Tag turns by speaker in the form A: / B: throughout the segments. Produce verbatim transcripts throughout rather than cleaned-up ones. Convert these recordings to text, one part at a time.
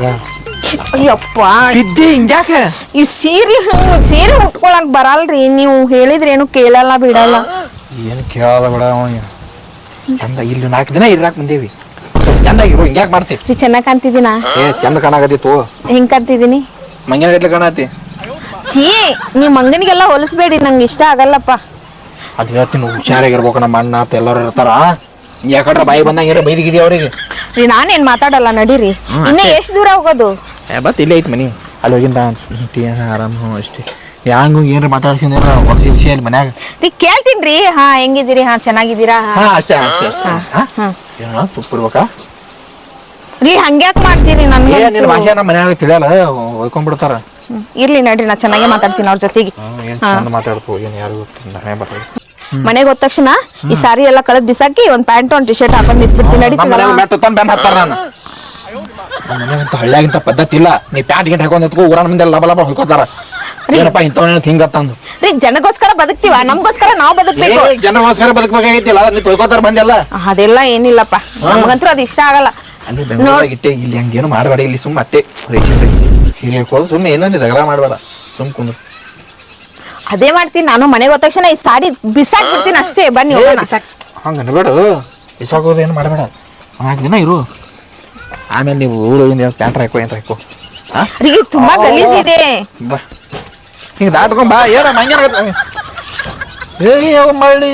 A: ಅಯ್ಯಪ್ಪ
B: ಬಿದ್ದಿ ಹಿಂಗ್ಯಾಕೆ
A: ಇವ್ ಸೀರೆ ಸೀರೆ ಉಟ್ಕೊಳಕ್ ಬರಲ್ರಿ ನೀವು ಹೇಳಿದ್ರೇನು ಕೇಳಲ್ಲ ಬಿಡಲ್ಲ.
B: ಏನು ಕೇಳಲ್ಲ ಬಿಡ ಚಂದ ಇಲ್ಲಿ ನಾಲ್ಕು ದಿನ ಇರಾಕ್ ಬಂದೇವಿ ಚಂದಾಗಿರು ಹಿಂಗ್ಯಾಕ್ ಮಾಡ್ತಿ
A: ರೀ ಚೆನ್ನಾಗ್ ಕಾಣ್ತಿದ್ದೀನ
B: ಏ ಚಂದ ಕಾಣಾಕತ್ತಿತ್ತು
A: ಹೆಂಗ್ ಕಾಣ್ತಿದ್ದೀನಿ
B: ಮಂಗ್ಯಾನ ಗಟ್ಲೆ ಕಾಣತಿ
A: ಛೀ ನೀವ್ ಮಂಗನಿಗೆಲ್ಲ ಹೊಲಿಸ್ಬೇಡಿ ನಂಗೆ ಇಷ್ಟ ಆಗಲ್ಲಪ್ಪ.
B: ಅದು ಹೇಳ್ತೀನಿ ಹುಷಾರಾಗಿರ್ಬೇಕು ನಮ್ಮ ಅಣ್ಣ ಅಂತ ಎಲ್ಲರೂ ಇರ್ತಾರ ಯಾಕಂದ್ರೆ ಬಾಯಿ ಬಂದಂಗ ಬೈದಿಗಿದಿ ಅವ್ರಿಗೆ
A: ರೀ ನಾನೇನ್ ಮಾತಾಡಲ್ಲ ನಡೀರಿ. ಇನ್ನ ಎಷ್ಟ್ ದೂರ ಹೋಗೋದು
B: ಬತ್ ಇಲ್ಲೇ ಐತಿ ಮನಿ ಅಲ್ಲಿ ಹೋಗಿಂದ ಆರಾಮ ಅಷ್ಟೇ ಹ್ಯಾಂಗ ಏನ್ರ ಮಾತಾಡ್ಸಿಂದ ಹೊರಸಿ ಅಲ್ಲಿ ಮನ್ಯಾಗ
A: ರೀ ಕೇಳ್ತೀನ್ರಿ. ಹಾ ಹೆಂಗಿದ್ದೀರಿ ಹಾ ಚೆನ್ನಾಗಿದ್ದೀರಾ
B: ಹಾ ಅಷ್ಟೇ ಅಷ್ಟೇ ತುಪ್ಪಿರ್ಬೇಕಾ
A: ರೀ ಹಂಗ್ಯಾಕ್ ಮಾಡ್ತೀರಿ ನನ್ಗೆ
B: ನಿನ್ನ ಭಾಷೆ ನಮ್ಮ ಮನ್ಯಾಗ ತಿಳಿಯಲ್ಲ ಹೊಯ್ಕೊಂಡ್ಬಿಡ್ತಾರ.
A: ಇರ್ಲಿ ನಡ್ರಿ ನಾ ಚೆನ್ನಾಗೇ ಮಾತಾಡ್ತೀನಿ ಅವ್ರ ಜೊತೆಗೆ.
B: ಚಂದ ಮಾತಾಡ್ಕೋ ಏನ್ ಯಾರು ಬರ್ತದೆ
A: ಮನೆಗೆ ಹೋದ ತಕ್ಷಣ ಈ ಸಾರಿ ಎಲ್ಲ ಕಳೆದ್ ಬಿಸಾಕಿ ಒಂದ್ ಪ್ಯಾಂಟ್ ಒಂದ್ ಟಿ ಶರ್ಟ್ ಹಾಕೊಂಡ್ ನಿಂತ್ಬಿಡ್ತೀನಿ ನಡೀತದ.
B: ಮನೆಗಂತ ಹಳ್ಳಿಯಾಗಿಂತ ಪದ್ಧತಿ ಇಲ್ಲ ನೀ ಪ್ಯಾಂಟ್ ಗಿಂಟ್ ಹಾಕೊಂಡ್ ನಿಂತ್ಕೋ ಊರ ಮುಂದೆ ಲಬ ಲಬ ಹೊಯ್ಕೋತಾರ ಏನಪ್ಪ ಇಂಥವನ್ನ ಹಿಂಗತ್ತಂದು
A: ರೀ ಜನಗೋಸ್ಕರ ಬದುಕ್ತಿವ ನಮ್ಗೋಸ್ಕರ ನಾವ್ ಬದುಕ್ಬೇಕು.
B: ಜನಗೋಸ್ಕರ ಬದುಕಬೇಕಾಗೈತಿಲ್ಲ ನೀ ತೊಯ್ಕೋತಾರ ಬಂದೆಲ್ಲ
A: ಅದೆಲ್ಲ ಏನಿಲ್ಲಪ್ಪ ನಮ್ಗಂತೂ ಅದು ಇಷ್ಟ ಆಗಲ್ಲ.
B: ಅಲ್ಲಿ ಬೆಂಗಳೂರಾಗಿಟ್ಟೆ ಇಲ್ಲಿ ಹಂಗೇನು ಮಾಡಬೇಡ ಇಲ್ಲಿ ಸುಮ್ಮ ಅಟ್ಟೆ ಸೀರೆ ಹಾಕೋದು ಸುಮ್ಮನೆ ಏನೋ ಜಗಳ ಮಾಡಬೇಡ ಸುಮ್ ಕುಂದ್ರು
A: ಅದೇ ಮಾಡ್ತೀನಿ ನಾನು. ಮನೆಗೆ ಹೋದ ತಕ್ಷಣ ಈ ಸಾಡಿ ಬಿಸಾಕ್ ಬಿಡ್ತೀನಿ ಅಷ್ಟೇ. ಬನ್ನಿ
B: ಹಂಗ ಅನ್ಬೇಡ ಬಿಸಾಕೋದು ಏನು ಮಾಡಬೇಡ ನಾಲ್ಕು ದಿನ ಇರು ಆಮೇಲೆ ನೀವು ಊರು ಪ್ಯಾಂಟ್ ಹಾಕೋ ಏನ್ರ ಹಾಕೋ
A: ರೀ ತುಂಬಾ ಗಲೀಜ್ ಇದೆ.
B: ಬಾ ಹಿಂಗ ದಾಟ್ಕೊಂಡ್ ಬಾ ಏನ ಮಂಗ್ಯಾನ ಏ ಯಾವ ಮಾಡಿ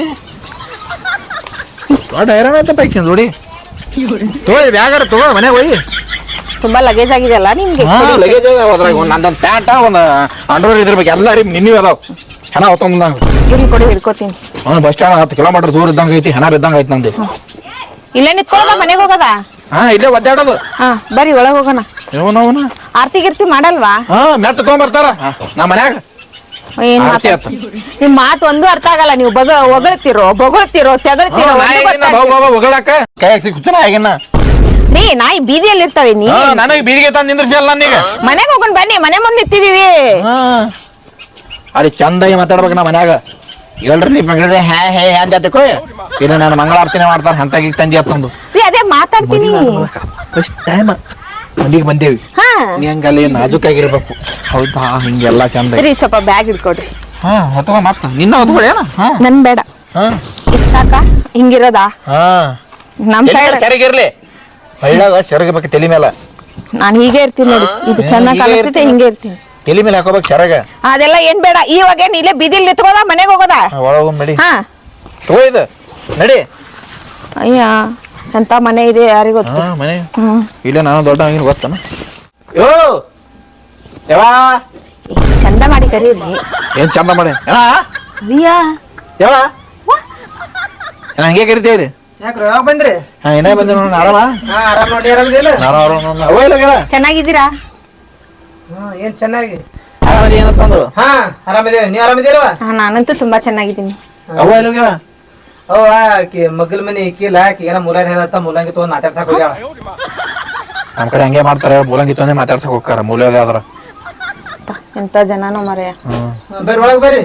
B: ದೊಡ್ಡ ಹೈರಾಣ ಆಯ್ತ ಪೈಕಿ ನೋಡಿ ತಗೋ ಬ್ಯಾಗಾರ ತಗೋ ಮನೆಗೆ ಹೋಗಿ
A: ತುಂಬಾ ಲಗೇಜ್ ಆಗಿದೆ ಅಲ್ಲ ನಿಮ್ಗೆ.
B: ಲಗೇಜ್ ಅದ್ರಾಗ ಒಂದು ನಂದೊಂದು ಪ್ಯಾಂಟ ಒಂದು ಅಂಡರ್ವೇರ್ ಇದ್ರಬೇಕು ಎಲ್ಲ ರೀ ನಿನ್ನೆ ಅದಾವ ಹೆಣ ಹೊತ್ತೊಂಬಂದಂಗ
A: ಇಲ್ಲಿ ಕೊಡಿ ಹಿಡ್ಕೋತೀನಿ.
B: ಹ್ಞೂ ಬಸ್ ಸ್ಟ್ಯಾಂಡ್ ಹತ್ತು ಕಿಲೋಮೀಟರ್ ದೂರ ಇದ್ದಂಗೆ ಐತಿ ಹೆಣ ಬಿದ್ದಂಗೆ ಐತಿ ನಂದು.
A: ಇಲ್ಲೇ ನಿಂತ್ಕೊಳ್ಳೋದ ಮನೆಗೆ ಹೋಗೋದ?
B: ಹಾ ಇಲ್ಲೇ ಒದ್ದಾಡೋದು.
A: ಹಾ ಬರ್ರಿ ಒಳಗೆ ಹೋಗೋಣ.
B: ಇವನವನ
A: ಆರ್ತಿ ಗಿರ್ತಿ ಮಾಡಲ್ವಾ?
B: ಹಾ ಮೆಟ್ಟ ತಗೊಂಬರ್ತಾರ ನಮ್ಮ ಮನ್ಯಾಗ.
A: ಏನ್ ನಿಮ್ ಮಾತು ಒಂದು ಅರ್ಥ ಆಗಲ್ಲ. ನೀವು ಬಗ ಹೊಗಳ್ತಿರೋ ಬೊಗಳ್ತಿರೋ ತೆಗಳ್ತಿರೋ
B: ಹೊಗಳಾಕ ಕೈ ಹಾಕ್ಸಿ ಕುಚ್ಚನ ಆಗಿನ
A: ರೀ ನಾಯಿ ಬೀದಿಯಲ್ಲಿ ಇರ್ತಾವೆ. ನೀ
B: ನನಗೆ ಬೀದಿಗೆ ತಂದು ನಿಂದ್ರಿಸಲ್ಲ ನನಗ.
A: ಮನೆಗೆ ಹೋಗೋಣ ಬನ್ನಿ ಮನೆ ಮುಂದೆ ಇತ್ತಿದೀವಿ.
B: ಅಲ್ಲಿ ಚಂದಾಗಿ ಮಾತಾಡ್ಬೇಕು ನಾ ಮನ್ಯಾಗ ಹೇಳ್ರಿ ನೀ ಮಗಳ ಹ್ಯಾ ಹೇ ಅಂತ ತಿಳ್ಕೊ ಇಲ್ಲ ನಾನು ಮಂಗಳಾರತಿನೇ ಮಾಡ್ತಾರ ಹಂತಾಗಿ ತಂದಿ ಅತ್ತಂದು
A: ರೀ ಅದೇ ಮಾತಾಡ್ತೀನಿ.
B: ಫಸ್ಟ್ ಟೈಮ್ ಮಂದಿಗೆ ಬಂದೇವಿ ನೀ ಹಂಗಲ್ಲಿ ನಾಜುಕಾಗಿರ್ಬೇಕು. ಹೌದಾ ಹಿಂಗೆಲ್ಲ ಚಂದ
A: ರೀ ಸ್ವಲ್ಪ ಬ್ಯಾಗ್ ಹಿಡ್ಕೊಡ್ರಿ.
B: ಹಾ ಹೊತ್ಕೊ ಮತ್ತ ನಿನ್ನ ಹೊತ್ಕೊಳೇನ
A: ನನ್ ಬೇಡ ಇಷ್ಟ ಸಾಕ ಹಿಂಗಿರೋದಾ?
B: ಹಾ
A: ನಮ್ ಸೈಡ್
B: ಸರಿಗಿರ್ಲಿ ಹಳ್ಳಾಗ ಸೆರಗಬೇಕು ತಲೆ ಮೇಲೆ.
A: ನಾನು ಹೀಗೆ ಇರ್ತೀನಿ ನೋಡಿ. ಇದು ಚೆನ್ನಾಗಿ ಕಾಣಿಸ್ತೈತೆ ಹಿಂಗೆ ಇರ್ತೀನಿ.
B: ತಲೆ ಮೇಲೆ ಹಾಕೋಬೇಕು ಸೆರಗ.
A: ಅದೆಲ್ಲ ಏನ್ ಬೇಡ. ಇವಾಗ ಏನ್ ಇಲ್ಲೇ ಬೀದಿಲ್ ನಿಂತ್ಕೋದ ಮನೆಗೆ ಹೋಗೋದ?
B: ಒಳಗ ನಡಿ.
A: ಹಾ
B: ತಗೋ ಇದು ನಡಿ.
A: ಅಯ್ಯ ಎಂತ ಮನೆ ಇದೆ ಯಾರಿಗ ಗೊತ್ತು.
B: ಮನೆ ಇಲ್ಲ ನಾನು ದೊಡ್ಡ ಹಂಗಿನ ಗೊತ್ತಾನ. ಯೋ ಯವಾ
A: ಚಂದ ಮಾಡಿ ಕರೀರಿ.
B: ಏನ್ ಚಂದ ಮಾಡಿ
A: ಅಯ್ಯ
B: ಯವಾ ಹಂಗೆ ಕರಿತೇವ್ರಿ.
C: ಯಾಕ್ರಿ ಯಾವಾಗ ಬಂದ್ರಿ?
B: ಹಾ ಏನೇ ಬಂದ ನೋಡ ಆರಾಮ?
C: ಹಾ ಆರಾಮ್ ನೋಡಿ ಆರಾಮದಿಲ್ಲ?
A: ಚೆನ್ನಾಗಿದ್ದೀರಾ?
C: ಹಾ ಏನ್ ಚೆನ್ನಾಗಿ
B: ಆರಾಮದಿ ಏನಂತಂದ್ರು?
C: ಹಾ ಆರಾಮದೇವ ನೀವ್ ಆರಾಮದಿಲ್ವ?
A: ಹಾ ನಾನಂತೂ ತುಂಬಾ ಚೆನ್ನಾಗಿದ್ದೀನಿ.
B: ಅವ್ವ ಎಲ್ಲೋಗ್ಯಾವ?
C: ಅವ ಆಕಿ ಮಗ್ಗಲ್ ಮನಿ ಇಕ್ಕಿಲ್ಲ ಆಕಿ ಏನೋ ಮೂಲಂಗಿ ಹೇಳತ್ತ ಮೂಲಂಗಿ ತಗೊಂಡ್ ಮಾತಾಡ್ಸಕ್ ಹೋಗ್ಯಾಳ.
B: ನಮ್ ಕಡೆ ಹಂಗೆ ಮಾಡ್ತಾರೆ ಮೂಲಂಗಿ ತೊಂದೆ ಮಾತಾಡ್ಸಕ್ ಹೋಗ್ತಾರ ಮೂಲದ ಆದ್ರ.
A: ಎಂತ ಜನನೋ ಮರೆಯ.
C: ಬರ್ರಿ ಒಳಗ್ ಬರ್ರಿ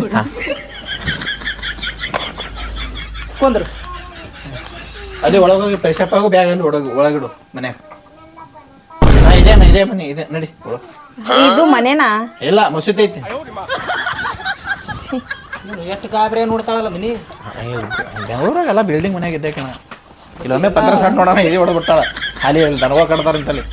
C: ಕುಂದ್ರು.
B: ಅಲ್ಲಿ ಒಳಗೋಗಿ ಪೈಸಾ ಪಾಗು ಬ್ಯಾಗ್ ಅಲ್ಲಿ ಒಳಗ ಒಳಗಿಡು ಮನ್ಯಾಗ. ಹಾ ಇದೇ ಇದೇ ಮನೆ ಇದೆ ನಡಿ.
A: ಇದು ಮನೆನಾ?
B: ಇಲ್ಲ ಮಸೂತಿ ಐತಿ.
C: ಎಷ್ಟು ಗಾಬ್ರಿ ನೋಡ್ತಾಳಲ್ಲ ಮನಿ.
B: ಬೆಂಗಳೂರಾಗೆಲ್ಲ ಬಿಲ್ಡಿಂಗ್ ಮನ್ಯಾಗ ಇದ್ದೆ ಕಣ. ಇಲ್ಲೊಮ್ಮೆ ಪತ್ರ ಸಣ್ಣ ನೋಡೋಣ ಇದೇ ಹೊಡೆದ್ಬಿಟ್ಟಾಳ ಖಾಲಿ ದನವ ಕಡ್ತಾರ ಅಂತಲ್ಲಿ.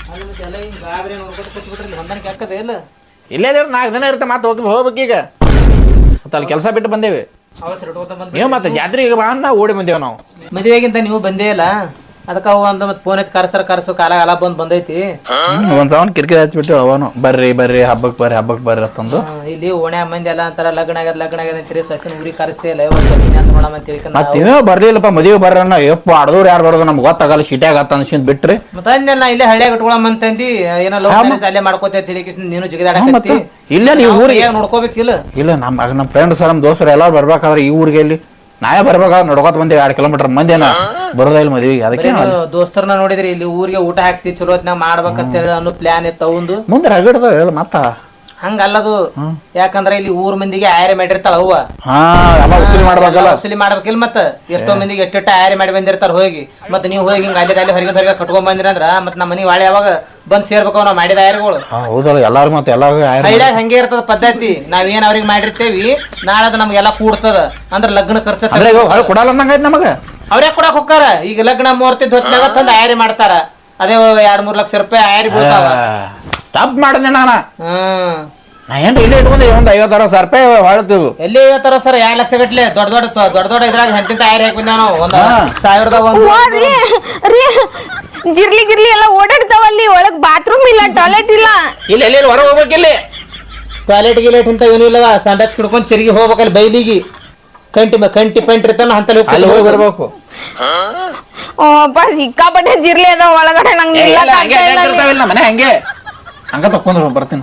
B: ಇಲ್ಲೇ ನಾಲ್ಕು ದಿನ ಇರುತ್ತೆ ಮತ್ತೆ ಹೋಗಿ ಹೋಗ್ಬೇಕು ಈಗ ಮತ್ತೆ ಅಲ್ಲಿ ಕೆಲಸ ಬಿಟ್ಟು ಬಂದೇವಿ. ನೀವು ಮತ್ತೆ ಜಾತ್ರೆಗೆ ಬಾ ನಾ ಓಡಿ ಬಂದೇವ್ ನಾವು.
C: ಮದುವೆಗಿಂತ ನೀವು ಬಂದೇ ಇಲ್ಲ ಅದಕ್ಕ ಅವ ಅಂತ ಮತ್ತೆ ಫೋನ್ ಹಚ್ಚಿ ಕರ್ಸರ ಕರ್ಸು ಕಾಲ ಕಾಲ ಬಂದ್ ಬಂದೈತಿ.
B: ಒಂದ್ ಸವನ್ ಕಿರಿಕಿರಿ ಹಚ್ಬಿಟ್ಟು ಅವನು ಬರ್ರಿ ಬರ್ರಿ ಹಬ್ಬಕ್ ಬರ್ರಿ ಹಬ್ಬಕ್ ಬರ್ರಿ ಅಂತಂದು.
C: ಇಲ್ಲಿ ಓಣೆ ಮಂದಿ ಎಲ್ಲ ಅಂತಾರ ಲಗ್ನ ಆಗ್ಯದ ಲಗ್ನ ಆಗ್ಯದ ಅಂತೀರಿ ಸಸಿನ ಊರಿಗೆ ಕರೆಸ್ತೇ ಇಲ್ಲ ಅಂತ ನೋಡಮ್ ಅಂತ ಹೇಳಿ.
B: ಮತ್ತೇನೋ ಬರ್ಲಿಲ್ಲಪ್ಪ ಮದುವೆ ಬರ್ರನ್ನ ಯಪ್ಪ ಅಡ್ದವ್ರು ಯಾರು ಬರೋದು ನಮ್ಗೆ ಗೊತ್ತಾಗಲ್ಲ ಶಿಟ್ಯಾಗ ಆತ ಅನ್ಸಿಂದ್ ಬಿಟ್ರಿ.
C: ಮತ್ತೆ ನಾ ಇಲ್ಲೇ ಹಳ್ಳಿಯಾಗ ಇಟ್ಕೊಳಮ್ ಅಂತಂದಿ ಏನೋ ಲವ್ ಮ್ಯಾರೇಜ್ ಅಲ್ಲೇ ಮಾಡ್ಕೋತ ನೀನು ಜಿಗಿದಾಡಕತ್ತಿ.
B: ಇಲ್ಲ ನೀವು ಊರಿಗೆ
C: ನೋಡ್ಕೋಬೇಕಿಲ್ಲ.
B: ಇಲ್ಲ ನಮ್ ನಮ್ಮ ಫ್ರೆಂಡ್ಸ್ ನಮ್ ದೋಸ್ತರು ಎಲ್ಲಾರು ಬರ್ಬೇಕಾದ್ರೆ ಈ ಊರಿಗೆ ಇಲ್ಲಿ ನಾವೇ ಬರ್ಬೇಕಾದ್ರೆ ನಡ್ಕೋತ ಬಂದೇವಿ ಎರಡು ಕಿಲೋಮೀಟರ್ ಮಂದಿನ ಬರೋದ ಇಲ್ಲ ಮದುವೆಗೆ. ಅದಕ್ಕೆ
C: ದೋಸ್ತರನ್ನ ನೋಡಿದ್ರಿ ಇಲ್ಲಿ ಊರಿಗೆ ಊಟ ಹಾಕ್ಸಿ ಚಲೋ ಹೊತ್ನಾಗ ಮಾಡ್ಬೇಕಂತ ಹೇಳಿ ಅನ್ನೋ ಪ್ಲಾನ್ ಇತ್ತು ಅವಂದು.
B: ಮುಂದೆ ರಗಡ್ದ ಹೇಳ ಮತ್ತ
C: ಹಂಗಲ್ಲದು ಯಾಕಂದ್ರ ಇಲ್ಲಿ ಊರ್ ಮಂದಿಗೆ ಆಯ್ರೆ ಮಾಡಿರ್ತಾಳ ಅವ್ವ
B: ಹಾ ಎಲ್ಲ ವಸೂಲಿ ಮಾಡ್ಬೇಕಲ್ಲ
C: ವಸೂಲಿ ಮಾಡ್ಬೇಕಿಲ್ಲ ಮತ್ತ ಎಷ್ಟೋ ಮಂದಿಗೆ ಎಟ್ಟೆಟ್ಟ ಆಯ್ರೆ ಮಾಡಿ ಬಂದಿರ್ತಾರ ಹೋಗಿ ಮತ್ ನೀವು ಹೋಗಿ ಹಿಂಗ ಅಲ್ಲಿ ಅಲ್ಲಿ ಹೊರಗೆ ಹೊರಗೆ ಕಟ್ಕೊಂಡ್ ಬಂದಿರ ಅಂದ್ರ ಮತ್ ನಮ್ಮ ಮನಿ ವಾಳೆ ಯಾವಾಗ ಬಂದ್ ಸೇರ್ಬೇಕು ನಾವ್ ಮಾಡಿದ ಆಯ್ರೆಗಳು
B: ಹೌದಲ್ಲ ಎಲ್ಲಾರು ಮತ್ತೆ ಎಲ್ಲ
C: ಹಳ್ಳ್ಯಾಗ ಹಂಗೆ ಇರ್ತದ ಪದ್ಧತಿ ನಾವ್ ಏನ್ ಅವ್ರಿಗೆ ಮಾಡಿರ್ತೇವಿ ನಾಳೆ ಅದು ನಮ್ಗೆಲ್ಲಾ ಕೂಡ್ತದ ಅಂದ್ರ ಲಗ್ನ ಖರ್ಚ
B: ಕೊಡಲ್ಲ ಅಂದಂಗ ನಮಗ
C: ಅವ್ರೇ ಕೊಡಕ್ ಹೋಗ್ತಾರ ಈಗ ಲಗ್ನ ಮೂರ್ತಿ ಹೊತ್ನಾಗ ತಂದ್ ಆಯ್ರೆ ಮಾಡ್ತಾರ ಅದೇ ಎರಡ್ ಮೂರ್ ಲಕ್ಷ ರೂಪಾಯಿ ಆಯ್ರಿ ಬೀಳ್ತಾವ
B: ತಪ್ಪು ಮಾಡಿದೆ ನಾನ
C: ಹ್ಮ್
B: ನಾ ಏನ್ ಇಲ್ಲಿ ಇಟ್ಕೊಂಡೆ ಒಂದ್ ಐವತ್ತು ಅರವತ್ತು ಸಾವಿರ ರೂಪಾಯಿ ಹೊಳ್ತೀವಿ
C: ಎಲ್ಲಿ ಹೇಳ್ತಾರ ಸರ್ ಎರಡ್ ಲಕ್ಷ ಗಟ್ಲೆ ದೊಡ್ಡ ದೊಡ್ಡ ದೊಡ್ಡ ದೊಡ್ಡ ಇದ್ರಾಗ ಎಂತಿಂತ ಆಯ್ರಿ ಹಾಕಿದ್ದ ನಾವು ಒಂದ್ ಸಾವಿರದ ಒಂದು
A: ರೀ ರೀ ಜಿರ್ಲಿ ಗಿರ್ಲಿ ಎಲ್ಲ ಓಡಾಡ್ತಾವಲ್ಲಿ ಒಳಗ್ ಬಾತ್ರೂಮ್ ಇಲ್ಲ ಟಾಯ್ಲೆಟ್ ಇಲ್ಲ
B: ಇಲ್ಲ ಎಲ್ಲಿ ಹೊರ ಹೋಗ್ಬೇಕಿಲ್ಲಿ
C: ಟಾಯ್ಲೆಟ್ ಗಿಲೆಟ್ ಇಂತ ಏನಿಲ್ಲವ ಸಂಡಾಸ್ ಕಿಡ್ಕೊಂಡ್ ತಿರುಗಿ ಹೋಗ್ಬೇಕಲ್ಲಿ ಬೈಲಿಗಿ ಕಂಟಿ ಕಂಟಿ ಪಂಟ್ ಇರ್ತಾನ ಅಂತಲ್ಲಿ
B: ಅಲ್ಲಿ ಹೋಗಿ ಬರ್ಬೇಕು
A: ಓಪ್ಪ ಸಿಕ್ಕಾಪಟ್ಟೆ ಜಿರ್ಲಿ ಅದಾವ ಒಳಗಡೆ ನಂಗೆ ನಿಲ್ಲಕ್ ಆಗ್ತಾ ಇಲ್ಲ ಅಲ್ಲಿ.
B: ಮನೆ ಹಂಗೆ ಹಂಗ ತಕೊಂಡ್ರು ಬರ್ತೀನಿ